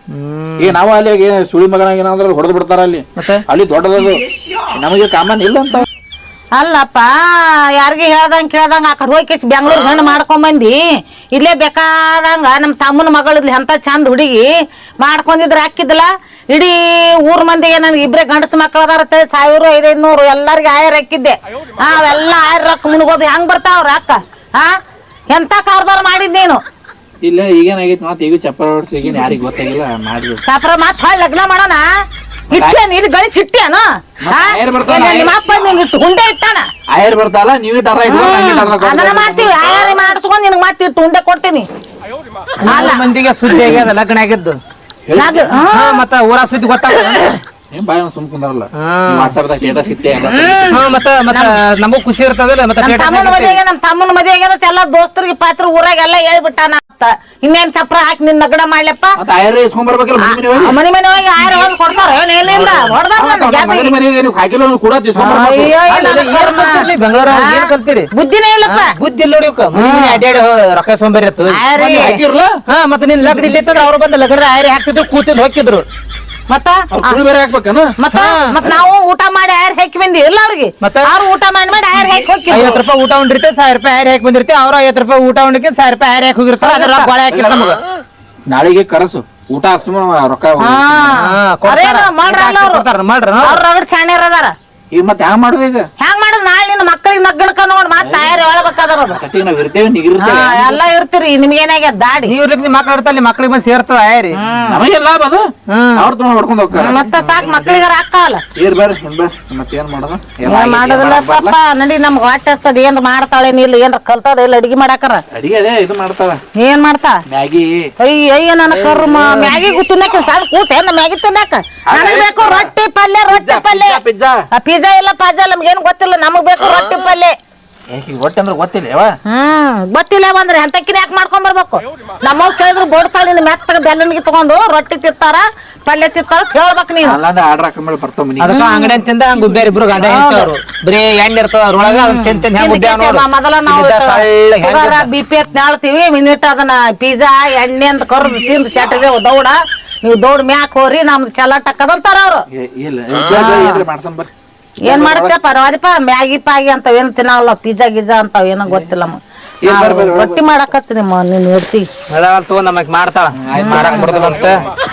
B: ಈಗ ನಾವು ಅಲ್ಲಿ ಏನ್ ಸುಳಿ ಮಗನ ಏನಾದ್ರ ಹೊಡೆದ್ ಬಿಡ್ತಾರ ಅಲ್ಲಿ ಅಲ್ಲಿ ದೊಡ್ಡದದು ನಮಗೆ ಕಾಮನ್ ಇಲ್ಲ ಅಂತ.
D: ಅಲ್ಲಪ್ಪ ಯಾರಿಗೆ ಹೇಳ್ದಂಗ ಕೇಳ್ದಂಗ ಆ ಕಡೆ ಹೋಗಿ ಬೆಂಗಳೂರು ಗಂಡು ಮಾಡ್ಕೊಂಡ್ ಬಂದಿ ಇಲ್ಲೇ ಬೇಕಾದಂಗ ನಮ್ ತಮ್ಮನ ಮಗಳಿದ್ಲಿ ಅಂತ ಚಂದ ಹುಡುಗಿ ಮಾಡ್ಕೊಂಡಿದ್ರ ಹಾಕಿದ್ಲ ಇಡೀ ಊರ್ ಮಂದಿಗೆ ನನ್ಗೆ ಇಬ್ರೇ ಗಂಡಸ ಮಕ್ಳು ಅದಾರ ಸಾವಿರ ಐದೈದ್ ನೂರು ಎಲ್ಲಾರ್ಗಿ ಆಯರ್ ಹಾಕಿದ್ದೆ. ಅವೆಲ್ಲ ಆಯರ್ ರೊಕ್ಕ ಮುನ್ಗೋದು ಹೆಂಗ್ ಬರ್ತಾವ್ರ ಅಕ್ಕ ಹಾ ಎಂತ ಕಾರ್ಬಾರ್ ಮಾಡಿದ್ ನೀನು.
B: ಇಲ್ಲ ಈಗೇನಾಗೈತಿ ಮತ್ ಈಗ ಚಪ್ಪರ ಹೊಡ್ಸಿ ಈಗೇನ್ ಯಾರಿಗ್ ಗೊತ್ತಾಗಿಲ್ಲ ಮಾಡಿ
D: ಸಾಪ್ರ ಮತ್ ಹೊಳ್ ಲಗ್ನ ಮಾಡೋಣ ಇಟ್ಟೇನ್ ಇದು ಗಣಿ ಚಿಟ್ಟೇನ
B: ಆಯರ್ ಬರ್ತಾನ, ಆಯರ್
D: ನಿಮ್ಮ ಅಪ್ಪ ನಿನ್ ಇಟ್ಟು ಗುಂಡೆ ಇಟ್ಟಾನ
B: ಆಯರ್ ಬರ್ತಾವಲ್ಲ ನೀವ್
D: ಅದನ್ನ ಮಾಡ್ತೀವಿ ಆಯಾರಿ ಮಾಡಿಸ್ಕೊಂಡ್ ನಿನಗ್ ಮತ್ತೆ ಇಟ್ಟು ಉಂಡೆ ಕೊಡ್ತೀನಿ.
C: ನಾಲ್ಕು ಮಂದಿಗೆ ಸುದ್ದಿ ಆಗ್ಯದ ಲಗ್ನ ಆಗಿದ್ದು
D: ನಾಗ್- ಹಾ.
C: ಹಾ, ಮತ್ತ ಊರ ಸುದ್ದಿ ಗೊತ್ತಾಗ
B: ಏನ್ ಬಾಯ್ ಸುಮ್ ಕುಂದಾರಲ್ಲ ವಾಟ್ಸಾಪ್ ದಾಗ ಸ್ಟೇಟಸ್ ಇಟ್ಟೆ
C: ಮತ್ತ ಮತ್ತ ನಮಗೂ ಖುಷಿ ಇರ್ತದಲ್ಲ ಮತ್ತೆ
D: ನಮ್
C: status
D: ತಮ್ಮನ
C: ಹಾಕಿರ್ತೀವಿ.
D: ಮದುವೆಗೆ ನಮ್ ತಮ್ಮನ ಮದುವೆಗೆ ಎಲ್ಲ ದೋಸ್ತರಿಗೆ ಪಾತ್ರ ಊರಾಗ ಎಲ್ಲ ಹೇಳ್ಬಿಟ್ಟಾನ ಅಂತ ಇನ್ನೇನ್ ಚಪ್ರ ಹಾಕಿ ನಿನ್ ನಗಡ ಮಾಡ್ಲಪ್ಪ
B: ಮತ್ತ ಆಯರ್ ಇಸ್ಕೊಂಡ್ ಬರ್ಬೇಕಲ್ಲ ಮನೆ ಮನೆ ಹೋಗಿ.
D: ಮನೆ ಮನೆ ಹೋಗಿ ಆಯ್ರ ಹೊಂದ್ ಕೊಡ್ತಾರ ಏನ್ ಏನಿಲ್ಲ ಹೊಡ್ದಾರ
B: ಮತ್ತ ಮನೆ ಮನೆಗೆ ನೀವು ಹಾಕಿಲ್ಲ ಕೂಡ ಇಸ್ಕೊಂಡ್ ಬರ್ಬೇಕು.
D: ಅಯ್ಯೋ
C: ಅಲ್ಲ, ಏನ್ ಕಲ್ತಿರ್ಲಿ ಬೆಂಗಳೂರಾಗ ಏನ್ ಕಲ್ತೀರಿ
D: ಬುದ್ಧಿನೇ ಇಲ್ಲಪ್ಪ.
C: ಬುದ್ಧಿ ಇಲ್ಲ ನೋಡಿ ಇವ್ಕ. ಮನೆ ಮನೆ ಅಡ್ಯಾಡಿ ಹೋ- ರೊಕ್ಕ ಸೋಂಬೇರಿ ಇತ್ತು.
D: ಆಯ್ರಿ
B: ಮನೆ ಹಾಕಿರ್ಲ
C: ಹಾ ಮತ್ತೆ ನಿನ್ ಲಗ್ನ ಇಲ್ಲಿ ಇತ್ತಂದ್ರ ಅವ್ರು ಬಂದ ಲಗ್ನ ಆಯ್ರಿ ಹಾಕ್ತಿದ್ರು ಕೂತಿದ್ ಹೋಗಿದ್ರು
D: ಮತ್ತ
B: ಅವ್ರ ಕುಳಿ ಬೇರೆ ಹಾಕ್ಬೇಕನ.
D: ಮತ್ತ ಮತ್ ನಾವು ಊಟ ಮಾಡಿ ಆಯ್ರ ಹಾಕಿ ಬಂದಿ ಇಲ್ಲ ಅವ್ರಿಗೆ
C: ಮತ್ತ?
D: ಅವ್ರು ಊಟ ಮಾಡಿ ಮಾಡಿ ಆಯ್ರ ಹಾಕಿ ಹೋಗಿ
C: ಐವತ್ ರೂಪಾಯಿ ಊಟ ಉಂಡಿರ್ತೆ ಸಾವಿರ ರೂಪಾಯಿ ಆಯ್ರಿ ಹಾಕಿ ಬಂದಿರ್ತಿ ಅವ್ರ ಐವತ್ ರೂಪಾಯಿ ಊಟ ಉಂಡಿಕೆ ಸಾವಿರ ರೂಪಾಯಿ ಆಯ್ರಿ ಹಾಕಿ ಹೋಗಿರ್ತಾರ ಅದ್ರ ರೊಕ್ಕ ಬಾಳೆ ಹಾಕಿಲ್ಲ ನಮಗ.
B: ನಾಳೆಗೆ ಕರಸು ಊಟ ಹಾಕ್ಸುಮ ರೊಕ್ಕ
C: ಹಾ, ಕೊಡ್ತಾರ.
D: ಮಾಡ್ರಲ್ಲ ಅವ್ರು
C: ಕೊಡ್ತಾರ, ಮಾಡ್ರ
D: ಅವ್ರ ರಗಡ್ ಶಾಣ್ಯರ್ ಅದಾರ.
B: ಈಗ ಮತ್ತೆ ಹ್ಯಾಂಗ ಮಾಡುದು ಈಗ
D: ಹೆಂಗ್ ಮಾಡುದ್ ನಾಳೆ ನಿನ್ನ ಮಕ್ಕಳಿಗೆ ನಗ್ಗಣ್ಕ ನೋಡ್ ಮತ್ ತಯಾರಿ ಒಳಬೇಕಾದ್ರ ಅದು
B: ಕಟ್ಟಿಗೆ ನಾವ್ ಇರ್ತೇವೆ ನೀಗಿರ್ತೇವೆ
D: ಹಾ, ಎಲ್ಲ ಇರ್ತೀರಿ ನಿಮ್ಗೇನಾಗ್ಯದ ದಾಡಿ
C: ನೀವ್ ಇರ್ಲಿಕ್ಕೆ ಮಕ್ಳು ಇರ್ತಾರ ಮಕ್ಳಿಗೆ ಬಂದ್ ಸೇರ್ತವ ಆಯ್ರಿ
B: ನಮಗೆ ಲಾಭ ಅದು ಅವ್ರ ತುಂಬ ಹೊಡ್ಕೊಂಡ್ ಹೋಗ್ತಾರ.
D: ಮತ್ತ ಸಾಕ್ ಮಕ್ಕಳಿಗಾರ ಅಕ್ಕವಲ್ಲ
B: ಏರ್ ಬರ್ರಿ ಏನ್ ಬರ್ರಿ ಮತ್ತೆ ಏನ್ ಮಾಡೋದು ಎಲ್ಲ
D: ಏನ್ ಮಾಡೋದಿಲ್ಲ ಪಾಪ ನಡಿ ನಮ್ಗ್ ಹೊಟ್ಟೆ ಹಸ್ತದ ಏನ್ ಮಾಡ್ತಾಳೇನ್ ಇಲ್ಲ ಏನ್ರ ಕಲ್ತಾಳ ಇಲ್ಲ ಅಡಿಗೆ ಮಾಡಾಕರ
B: ಅಡಿಗೆ ಅದೇ ಇದು ಮಾಡ್ತಾವ
D: ಏನ್ ಮಾಡ್ತಾ
B: ಮ್ಯಾಗಿ
D: ಅಯ್ಯ ಅಯ್ಯ ನನ್ನ ಕರ್ಮ ಮ್ಯಾಗಿ ತಿನ್ನಕ ಸಾಕು ಕೂತ ಏನ್ ಮ್ಯಾಗಿ ತಿನ್ನಕ ನನಗ್ ಬೇಕು ರೊಟ್ಟಿ ಪಲ್ಯ ರೊಟ್ಟಿ ಪಲ್ಯ
B: ಪಿಜ್ಜಾ
D: ಪಿಜ್ಜಾ ಇಲ್ಲ ಪಾಜಾ ನಮ್ಗೇನ್ ಗೊತ್ತಿಲ್ಲ ನಮಗ್ ಬೇಕು ರೊಟ್ಟಿ ಪಲ್ಯ.
B: ಒಟ್ಟೆ ಅಂದ್ರೆ ಗೊತ್ತಿಲ್ಲ ಯಾವ
D: ಹ್ಮ್ ಗೊತ್ತಿಲ್ಲ ಬಂದ್ರೆ ಎಂತಕ್ಕಿನ ಯಾಕೆ ಮಾಡ್ಕೊಂಡ್ ಬರ್ಬೇಕು ನಮ್ಮವ್ ಕೇಳಿದ್ರು ಬೋಡ್ತಾಳ ನಿನ್ ಮೆತ್ತಗ ಬೆಲ್ಲನಿಗೆ ತಗೊಂಡು ರೊಟ್ಟಿ ತಿಂತಾರ ಪಲ್ಯ ತಿಂತಾರ ಹೇಳ್ಬೇಕು ನೀನು.
B: ಅಲ್ಲಾಂದ್ರೆ ಆರ್ಡರ್ ಹಾಕೊಂಡ್ ಬರ್ತಾವ ಮನಿ
C: ಅದಕ್ಕ ಅಂಗಡಿ ತಿಂದ ಹಂಗ ಉಬ್ಬ್ಯಾರ ಇಬ್ರು ಗಂಡ ಹೆಂಡ್ತಿಯವ್ರು. ಬರೀ ಎಣ್ಣೆ ಇರ್ತದ ಅದ್ರೊಳಗ ಅದನ್ನ ತಿಂದ್ ತಿಂದ್ ಹೆಂಗ್ ಉಬ್ಬ್ಯಾವ ನೋಡು.
D: ಮೊದಲ ನಾವು
C: ಇಲ್ಲಿದ್ದ ತಳ್ಳಗ್ ಹೆಂಗ್ ಇರ್ತದ.
D: ಬಿ ಪಿ ಎತ್ ನಾಳ್ತೀವಿ ಮಿನಿಟ್ ಅದನ್ನ ಪಿಜ್ಜಾ ಎಣ್ಣೆ ಅಂತ ಕರ್ದು ತಿಂದು ಚಟಗೆ ದೌಡ ನೀವು ದೌಡ್ ಮ್ಯಾಕ್ ಹೋರಿ ನಮ್ದು ಚಲಾಟ್ ಹಾಕದಂತಾರ ಅವ್ರು.
B: ಇಲ್ಲ ಏನ್ರಿ ಮಾಡ್ಸಂ ಬರ್ರಿ
D: ಏನ್ ಮಾಡ್ತೇಪ್ಪ ನೋಡಿಪ್ಪ ಮ್ಯಾಗಿ ಪಾಗಿ ಅಂತಾವ ಏನ್ ತಿನ್ನಲ್ಲ ಪಿಜ್ಜಾ ಗಿಜ್ಜಾ ಅಂತಾವ ಏನೋ ಗೊತ್ತಿಲ್ಲ ನಮ್ಗ್. ನಾವು ರೊಟ್ಟಿ ಮಾಡಕತ್ತಿ ನಿಮ್ಮ ನೀನ್ ಇರ್ತಿ
C: ಅದಾವಲ್ ತಗೋ ನಮಗ್ ಮಾಡ್ತಾಳ ಮಾಡಕ್ ಬರ್ತದಂತ